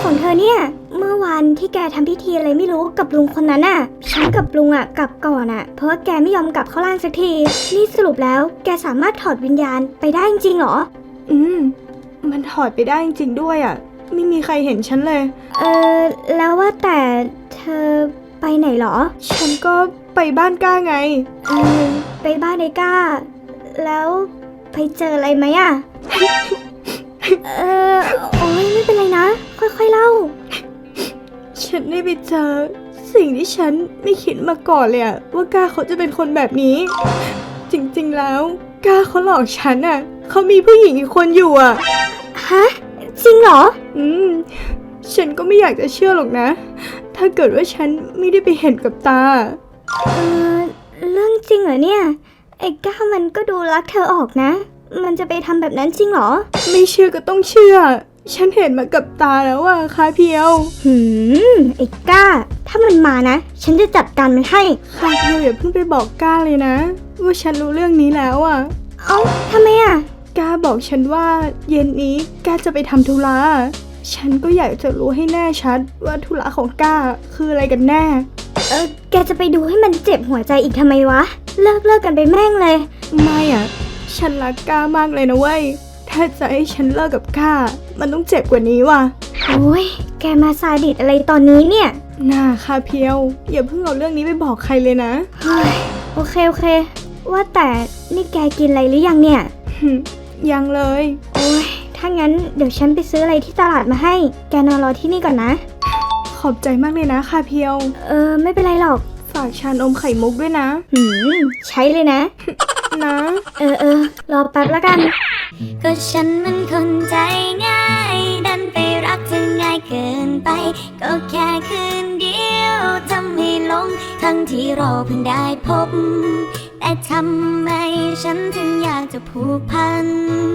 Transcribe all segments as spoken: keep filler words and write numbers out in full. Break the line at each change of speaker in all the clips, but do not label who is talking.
ของเธอเนี่ยเมื่อวันที่แกทำพิธีอะไรไม่รู้กับลุงคนนั้นอ่ะฉันกับลุงอ่ะกลับก่อนอ่ะเพราะว่าแกไม่ยอมกลับเข้าร่างสักทีนี่สรุปแล้วแกสามารถถอดวิญญาณไปได้จริงๆหรอ
อืมมันถอดไปได้จริงๆด้วยอ่ะไม่มีใครเห็นฉันเลย
เออแล้วว่าแต่เธอไปไหนหรอ
ฉันก็ไปบ้านก้าไง
เออไปบ้านไอ้ก้าแล้วไปเจออะไรไหมอ่ะ เออโอ้ยไม่เป็นไรนะค่อยๆเล่า
ฉันได้ไปเจอสิ่งที่ฉันไม่คิดมาก่อนเลยอะว่าก้าเขาจะเป็นคนแบบนี้จริงๆแล้วก้าเขาหลอกฉันอะเขามีผู้หญิงอีกคนอยู่อะ
ฮะจริงเหรอ
อืมฉันก็ไม่อยากจะเชื่อหรอกนะถ้าเกิดว่าฉันไม่ได้ไปเห็นกับตา
เออเรื่องจริงเหรอเนี่ยไอ้ก้ามันก็ดูรักเธอออกนะมันจะไปทำแบบนั้นจริงเหรอ
ไม่เชื่อก็ต้องเชื่อฉันเห็นมากับตาแล้วอะคาเพียว
หืมไอ้ก้าถ้ามันมานะฉันจะจัดการมันให้
คาเพียวอย่าเพิ่งไปบอกก้าเลยนะว่าฉันรู้เรื่องนี้แล้วอะ
เอ้าทำไมอะ
ก้าบอกฉันว่าเย็นนี้ก้าจะไปทำธุระฉันก็อยากจะรู้ให้แน่ชัดว่าธุระของก้าคืออะไรกันแน่
เออแกจะไปดูให้มันเจ็บหัวใจอีกทำไมวะเลิกเลิกกันไปแม่งเลย
ไม่อะฉันรักก้ามากเลยนะเว้ยถ้าจะให้ฉันเลิกกับก้ามันต้องเจ็บกว่านี้ว่ะ
โอ้ยแกมาซาดิสอะไรตอนนี้เนี่ย
น่าคาเพียวอย่าเพิ่งเอาเรื่องนี้ไปบอกใครเลยนะ
เฮ้ยโอเคโอเคว่าแต่นี่แกกินอะไรหรือยังเนี่ย
ยังเลย
โอ้ยถ้างั้นเดี๋ยวฉันไปซื้ออะไรที่ตลาดมาให้แกนอนรอที่นี่ก่อนนะ
ขอบใจมากเลยนะคาเพียว
เออไม่เป็นไรหรอก
ฝากชานมไข่มุกด้วยนะ
หืมใช้เลยนะ
นะ
เออเออรอแป๊บแล้วกัน
ก็ฉันมันคนใจง่ายดันไปรักเธอง่ายเกินไปก็แค่คืนเดียวทำให้หลงทั้งที่เราเพิ่งได้พบแต่ทำไมฉันถึงอยากจะผูกพัน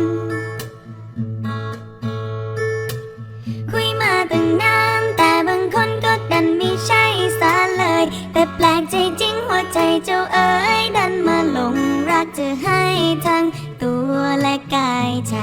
คุยมาตั้งนานแต่บางคนก็ดันไม่ใช่ซะเลยแต่แปลกใจจริงหัวใจเจ้าเอ๋ยดันมาหลงรักเธอให้ทั้งตัวและกายใจ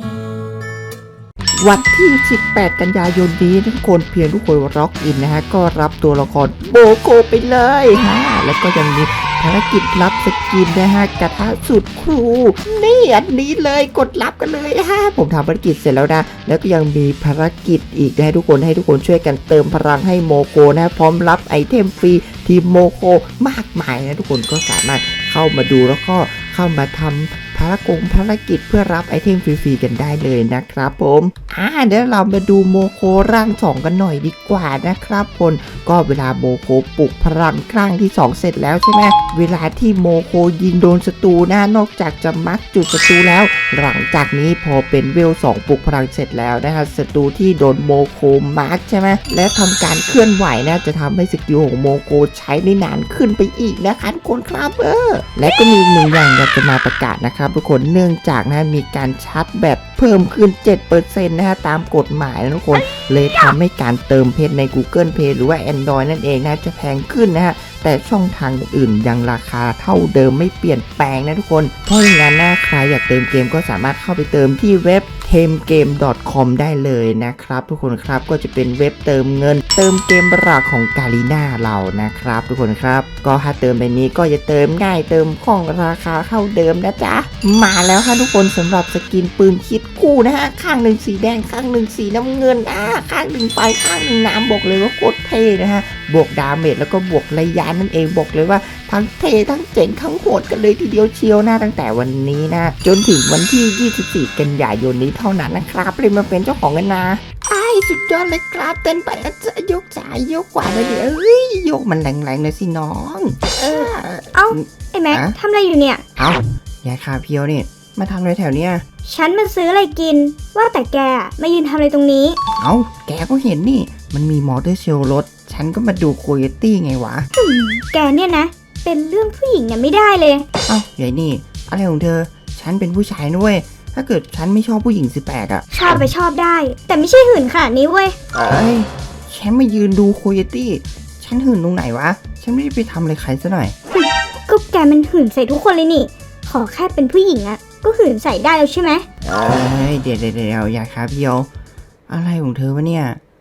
วันที่สิบแปดกันยายนนี้ทุกคนเพียงทุกคนร็อกอินนะฮะก็รับตัวละครโบโกไปเลยฮะแล้วก็ยังมีภารกิจรับสกินนะฮะกระทะสุดครูนี่อันนี้เลยกดรับกันเลยฮะผมทำภารกิจเสร็จแล้วนะแล้วก็ยังมีภารกิจอีกนะทุกคนให้ทุกคนช่วยกันเติมพลังให้โมโกนะพร้อมรับไอเทมฟรีทีมโมโกมากมายนะทุกคนก็สามารถเข้ามาดูแล้วก็เข้ามาทำภารกงภารกิจเพื่อรับไอเทมฟรีๆกันได้เลยนะครับผมอ่าเดี๋ยวเรามาดูโมโคร่างสองกันหน่อยดีกว่านะครับคนก็เวลาโมโคปลุกพลังครั้งที่สองเสร็จแล้วใช่ไหมเวลาที่โมโคยิงโดนศัตรูนะนอกจากจะมักจุดศัตรูแล้วหลังจากนี้พอเป็นเวลสองปลุกพลังเสร็จแล้วนะฮะศัตรูที่โดนโมโคมาร์กใช่ไหมและทำการเคลื่อนไหวนะจะทำให้สกิลของโมโคใช้ได้นานขึ้นไปอีกนะคะทุกคนครับเออและก็มีหนึ่งอย่างอยากจะมาประกาศนะครับทุกคนเนื่องจากนะมีการชาร์จแบตเพิ่มขึ้น เจ็ดเปอร์เซ็นต์ นะฮะตามกฎหมายนะทุกคนเลยทำให้การเติมเพชรใน Google Play หรือว่า Android นั่นเองนะจะแพงขึ้นนะฮะแต่ช่องทางอื่นยังราคาเท่าเดิมไม่เปลี่ยนแปลงนะทุกคนเพราะอย่างนั้นนะใครอยากเติมเกมก็สามารถเข้าไปเติมที่เว็บ เทมเกม ดอท คอม ได้เลยนะครับทุกคนครับก็จะเป็นเว็บเติมเงินเติมเกมหลักของกาลีน่าเรานะครับทุกคนครับก็ถ้าเติมแบบนี้ก็จะเติมง่ายเติมคล่องราคาเท่าเดิมนะจ๊ะมาแล้วค่ะทุกคนสำหรับสกินปืนคิดคู่นะฮะข้างหนึ่งสีแดงข้างหนึ่งสีน้ำเงินอ่าข้างหนึ่งไฟข้างหนึ่งน้ำบอกเลยว่าโคตรเท่นะฮะบวกดาเมจแล้วก็บวกระยะนั่นเองบอกเลยว่าทั้งเท่ทั้งเจ๋งทั้งโหดกันเลยทีเดียวเชียวนะตั้งแต่วันนี้นะจนถึงวันที่ยี่สิบสี่กันยายนนี้เท่านั้นนะครับเลยมาเป็นเจ้าของกันนะไอ้สุดยอดเลยครับเต้นไปจะยกซ้ายยกขวาเลยเดี๋ยวเอ้ยยกมันแรงๆเลยสิน้อง
เออเอ้าไอ้แม็กทำอะไรอยู่เนี่ย
เอ้ายายคาเพียวนี่มาทำอะไรแถวเนี้ย
ฉันมาซื้ออะไรกินว่าแต่แกมายืนทำอะไรตรงนี้
เอ้าแกก็เห็นนี่มันมีมอเตอร์เชลรถฉันก็มาดูโคโยตี้ไงวะ
แกเนี่ยนะเป็นเรื่องผู้หญิงเนี่ยไม่ได้เลย
เอ้ายายนี่อะไรของเธอฉันเป็นผู้ชายนะเว้ยถ้าเกิดฉันไม่ชอบผู้หญิงสิแปดอะ
ชอบไปชอบได้แต่ไม่ใช่หื่นขนาดนี้เว้ย
เอ้ยฉันมายืนดูโคโยตี้ฉันหื่นตรงไหนวะฉันไม่ได้ไปทำอะไรใครซะหน่อย
ก็แกมันหื่นใส่ทุกคนเลยนี่ขอแค่เป็นผู้หญิงอะก็หื่นใส่ได้แล้วใช่ไหม
เอ้ยเดี๋ยวเดี๋ยวเดี๋ยวยายครับเพียวอะไรของเธอวะเนี่ย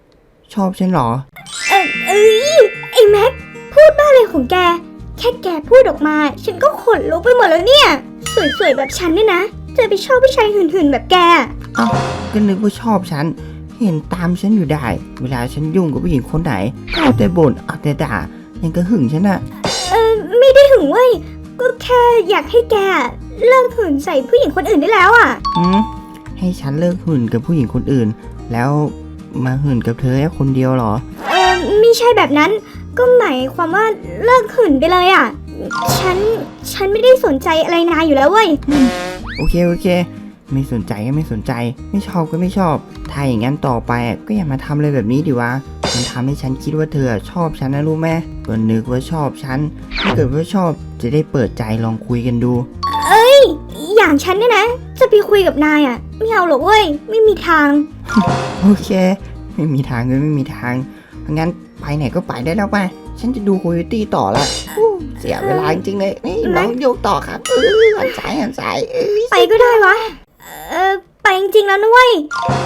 ชอบฉันเหรอ
เออเอ้ยไอ้แม็กพูดบ้าอะไรของแก แค่แกพูดออกมา ฉันก็ขนลุกไปหมดแล้วเนี่ย สวยๆแบบฉันเนี่ยนะจะไปชอบผู้ชายหื่นๆแบบแก
เอ้าก็นึกว่าชอบฉัน เห็นตามฉันอยู่ได้ เวลาฉันยุ่งกับผู้หญิงคนไหนก็เอาแต่บ่นเอาแต่ด่ายังก็หึงฉันอะ
เออไม่ได้หึงเว้ย ก็แค่อยากให้แกเลิกหื่นใส่ผู้หญิงคนอื่นได้แล้วอ่ะ
หืมให้ฉันเลิกหื่นกับผู้หญิงคนอื่น แล้วมาหื่นกับเธอแค่คนเดียวเหรอ
เออไม่ใช่แบบนั้น ก็หมายความว่าเลิกหื่นไปเลยอ่ะ ฉัน ฉันไม่ได้สนใจอะไรนายอยู่แล้วเว้ย
โอเคโอเค ไม่สนใจก็ไม่สนใจ ไม่ชอบก็ไม่ชอบ ถ้าอย่างนั้นต่อไปอะก็อย่ามาทำอะไรแบบนี้ดิวะ มันทำให้ฉันคิดว่าเธอชอบฉันนะรู้ไหมก็นึกว่าชอบฉัน ถ้าเกิดว่าชอบจะได้เปิดใจลองคุยกันดู
อย่างฉันเนี่ยนะ จะไปคุยกับนายอ่ะ ไม่เอาหรอกเว้ย ไม่มีทาง
โอเค ไม่มีทางเลยไม่มีทางงั้นไปไหนก็ไปได้แล้วไป ฉันจะดูโคโยตี้ต่อละอู้เสียเวลาจริงๆเลยนี่น้องโยกต่อครับเออหันสายหันสายเอ้ย
ไปก็ได้วะ เออไปจริงๆแล้วนะเว้ย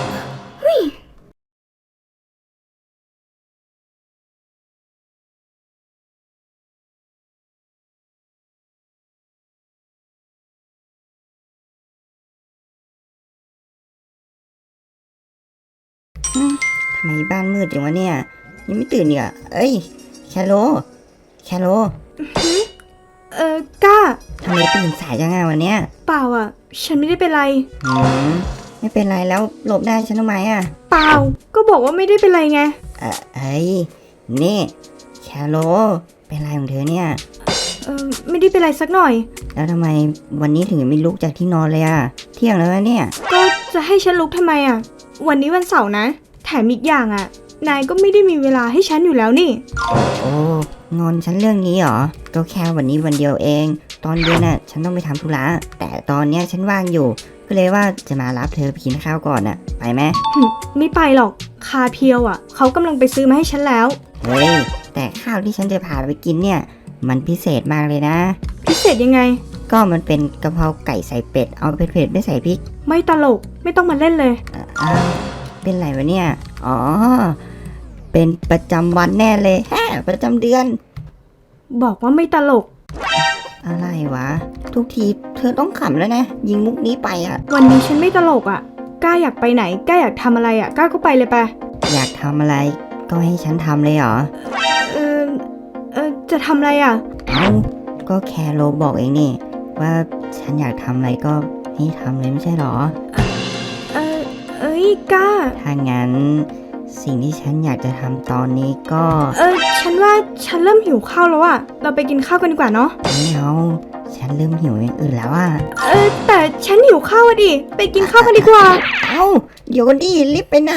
ทำไมบ้านมืดจังวะเนี่ยยังไม่ตื่นเนี่ยเอ้ยแคโรแคโร
เออกล้า
ทำไมตื่นสายจังอะวันเนี้ย
เปล่าอ่ะ ฉันไม่ได้เป็นไร
หืมไม่เป็นไรแล้วหลบได้ฉันทำไมอะ
เปล่า ก็บอกว่าไม่ได้เป็นไรไง
เอ่อเอ้ยนี่แคโรเป็นไรของเธอเนี่ย
เออไม่ได้เป็นไรสักหน่อย
แล้วทำไมวันนี้ถึงไม่ลุกจากที่นอนเลยอะเที่ยงแล้วนะเนี่ย
ก็จะให้ฉันลุกทำไมอ่ะ วันนี้วันเสาร์นะ แถมอีกอย่างอ่ะ นายก็ไม่ได้มีเวลาให้ฉันอยู่แล้วนี่
โอ้งอนฉันเรื่องนี้เหรอก็แค่วันนี้วันเดียวเอง ตอนเย็นน่ะฉันต้องไปทำธุระแต่ตอนเนี้ยฉันว่างอยู่ ก็เลยว่าจะมารับเธอไปกินข้าวก่อนน่ะไปไหม
หึไม่ไปหรอก คาเพียวอ่ะ เขากำลังไปซื้อมาให้ฉันแล้ว
เฮ้ยแต่ข้าวที่ฉันจะพาไปกินเนี่ย มันพิเศษมากเลยนะ
พิเศษยังไง
ก็มันเป็นกะเพราไก่ใส่เป็ดเอาเผ็ดๆไม่ใส่พริก
ไม่ตลก ไม่ต้องมาเล่นเลย
อ่ะอ้าวเป็นไรวะเนี่ยอ๋อเป็นประจำวันแน่เลยแฮะประจำเดือน
บอกว่าไม่ตลก
อะไรวะ ทุกทีเธอต้องขำแล้วนะ ยิงมุกนี้ไปอ่ะ
วันนี้ฉันไม่ตลกอ่ะ กล้าอยากไปไหน กล้าอยากทำอะไรอ่ะ กล้าก็ไปเลยไป
อยากทำอะไรก็ให้ฉันทำเลยเหรอ
เออเออจะทำอะไรอ่ะ
เอ้าก็แคโรบอกเองนี่ ว่าฉันอยากทำอะไรก็ให้ทำเลยไม่ใช่เหรอ
เออเอ้ยกล้า
ถ้างั้นสิ่งที่ฉันอยากจะทำตอนนี้ก็
เออฉันว่าฉันเริ่มหิวข้าวแล้วอ่ะ เราไปกินข้าวกันดีกว่าเนาะ
ไม่เอาฉันเริ่มหิวอย่างอื่นแล้วอ่ะ
เออแต่ฉันหิวข้าวอะดิ ไปกินข้าวกันดีกว่า
เอ้าเดี๋ยวกันดิรีบไปไหน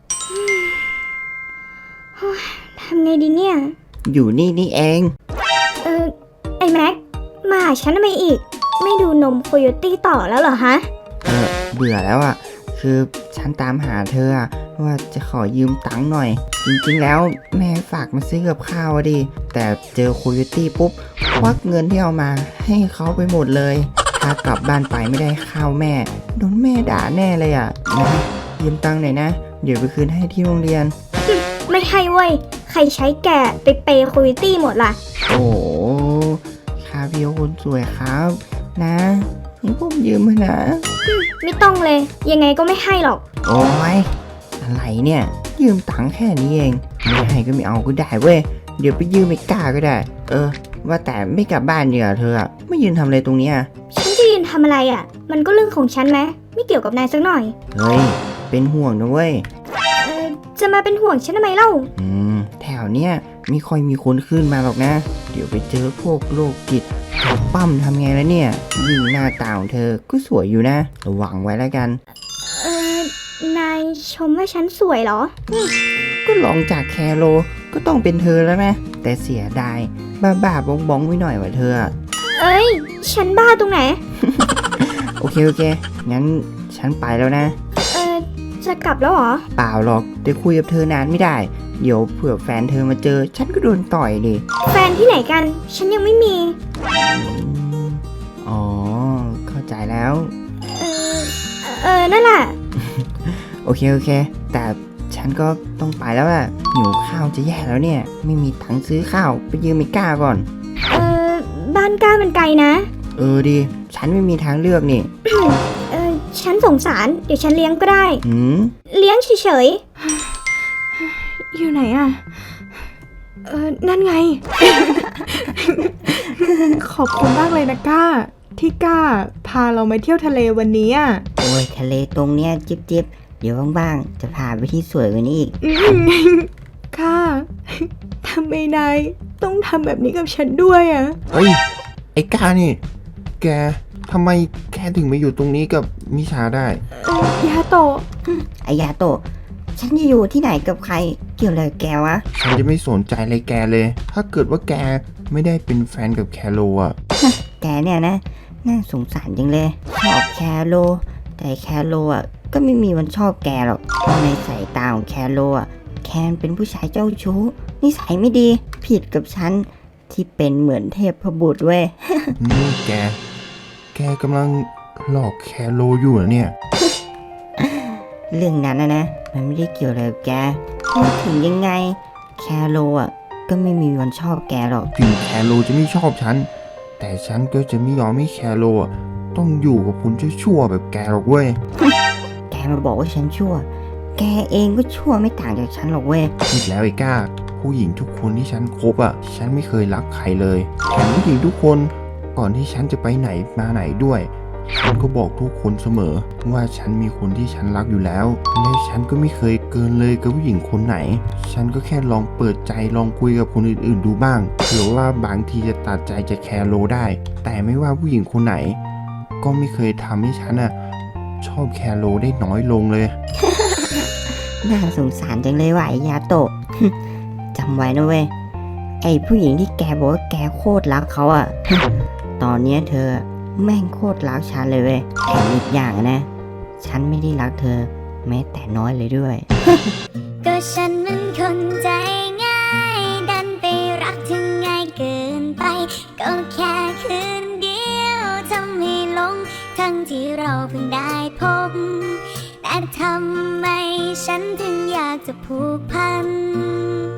ทำไงดีเนี่ย
อยู่นี่นี่เอง
เออไอ้แม็ก มาหาฉันทำไมอีก ไม่ดูนมโคโยตี้ต่อแล้วเหรอฮะ
เออเบื่อแล้วอะคือฉันตามหาเธออะว่าจะขอยืมตังค์หน่อย จริงๆแล้วแม่ฝากมาซื้อกับข้าวอะดิ แต่เจอโคโยตี้ปุ๊บควักเงินที่เอามาให้เขาไปหมดเลย ถ้ากลับบ้านไปไม่ได้ข้าวแม่ โดนแม่ด่าแน่เลยอะนะยืมตังค์หน่อยนะ เดี๋ยวไปคืนให้ที่โรงเรียน
ไม่ให้เว้ย ใครใช้แกไปเปย์โคโยตี้หมดล่ะ
โอ้โหคาเพียวคนสวยครับ นะให้ผมยืมมานะ
ไม่ต้องเลย ยังไงก็ไม่ให้หรอก
โอ้ยอะไรเนี่ย ยืมตังค์แค่นี้เอง ไม่ให้ก็ไม่เอาก็ได้เว้ย เดี๋ยวไปยืมไม่กล้าก็ได้ เออ ว่าแต่ไม่กลับบ้านเดี๋ยวเธออะไม่ยืนทำอะไรตรงเนี้ย
ฉันจะยืนทำอะไรอ่ะ มันก็เรื่องของฉันไหม ไม่เกี่ยวกับนายสักหน่อย
เฮ้ย เป็นห่วงนะเว้ย
เออจะมาเป็นห่วงฉันทำไมเล่า
อืม แถวเนี้ยไม่ค่อยมีคนขึ้นมาหรอกนะ เดี๋ยวไปเจอพวกโรคจิตเขาปั้มทำไงแล้วเนี่ย ยิ่งหน้าตาของเธอก็สวยอยู่นะ ระวังไว้แล้วกัน
เออ นายชมว่าฉันสวยเหรอ
ก็ลองจากแคโรก็ต้องเป็นเธอแล้วนะ แต่เสียดายบ้าบ้าๆบองบองๆไว้หน่อยว่าเธออะ
เอ้ย ฉันบ้าตรงไหน
โอเคโอเค งั้นฉันไปแล้วนะ
เออ จะกลับแล้วเหรอ
เปล่าหรอกแต่คุยกับเธอนานไม่ได้ เดี๋ยวเผื่อแฟนเธอมาเจอ ฉันก็โดนต่อยดิ
แฟนที่ไหนกัน ฉันยังไม่มี
อืมอ๋อ เข้าใจแล้ว
เออ เออ นั่นแหละ
โอเคโอเค แต่ฉัน
ฉันก็ต้องไปแล้วอะหิวข้าวจะแย่แล้วเนี่ย ไม่มีตังค์ซื้อข้าวไปยืมไอ้ก้าก่อน
เออบ้านก้ามันไกลนะ
เออดี ฉันไม่มีทางเลือกนี่
เออฉันสงสาร เดี๋ยวฉันเลี้ยงก็ได้
หืม
เลี้ยงเฉย
อยู่ไหนอะเออนั่นไง ขอบคุณมากเลยนะก้า ที่ก้าพาเรามาเที่ยวทะเลวันนี้อะ
โอ้ยทะเลตรงเนี้ยจิบจิบเดี๋ยวว่างๆจะพาไปที่สวยกว่านี้อีก
อืมก้าทำไมนายต้องทำแบบนี้กับฉันด้วยอะ
เฮ้ย ไอ้กานี่ แกทำไมแกถึงมาอยู่ตรงนี้กับมิชาได้
เอ่อยาโตะ
ไอยาโตะฉันจะอยู่ที่ไหนกับใครเกี่ยวอะไรกับแกวะ
ฉันจะไม่สนใจอะไรแกเลย ถ้าเกิดว่าแกไม่ได้เป็นแฟนกับแคโรอ่ะ
แกเนี่ยนะ น่าสงสารจังเลย ชอบแคโรแต่แคโรอ่ะก็ไม่มีวันชอบแกหรอกเพราะในสายตาของแคโรอ่ะแคนเป็นผู้ชายเจ้าชู้นิสัยไม่ดีผิดกับฉันที่เป็นเหมือนเทพบุตรเว้ย
นี่แก แกกำลังหลอกแคโรอยู่เหรอเนี่ย
เรื่องนั้นนะนะมันไม่ได้เกี่ยวอะไรกับแกพูดถึงยังไง แคโรอ่ะก็ไม่มีวันชอบแกหรอก
ถึงแคโรจะไม่ชอบฉัน แต่ฉันก็จะไม่ยอมให้แคโรอ่ะต้องอยู่กับคนชั่วๆแบบแกหรอกเว้ย
แกมาบอกว่าฉันชั่ว แกเองก็ชั่วไม่ต่างจากฉันหรอกเว้ย
ผิดแล้วไอ้ก้า ผู้หญิงทุกคนที่ฉันคบอ่ะ ฉันไม่เคยรักใครเลยแถมผู้หญิงทุกคนก่อนที่ฉันจะไปไหนมาไหนด้วย ฉันก็บอกทุกคนเสมอ ว่าฉันมีคนที่ฉันรักอยู่แล้ว และฉันก็ไม่เคยเกินเลยกับผู้หญิงคนไหน ฉันก็แค่ลองเปิดใจลองคุยกับคนอื่นๆดูบ้างเผื่อว่าบางทีจะตัดใจจะแคร์โลได้ แต่ไม่ว่าผู้หญิงคนไหน ก็ไม่เคยทำให้ฉันอ่ะชอบแคร์โลได้น้อยลงเลย
น่าสงสารจังเลยว่ะไอ้ยาโตะ จำไว้นะเว้ย ไอ้ผู้หญิงที่แกบอกว่าแกโคตรรักเขาอะ ตอนเนี้ยเธอแม่งโคตรรักฉันเลยเว้ยแถมอีกอย่างนะ ฉันไม่ได้รักเธอ แม้แต่น้อยเลยด้วย
ก็ฉันมันคนใจง่าย ดันไปรักถึงง่ายเกินไป ก็แค่คืนเดียวทำให้หลง ทั้งที่เราเพิ่งได้พบ แต่ทำไมฉันถึงอยากจะผูกพัน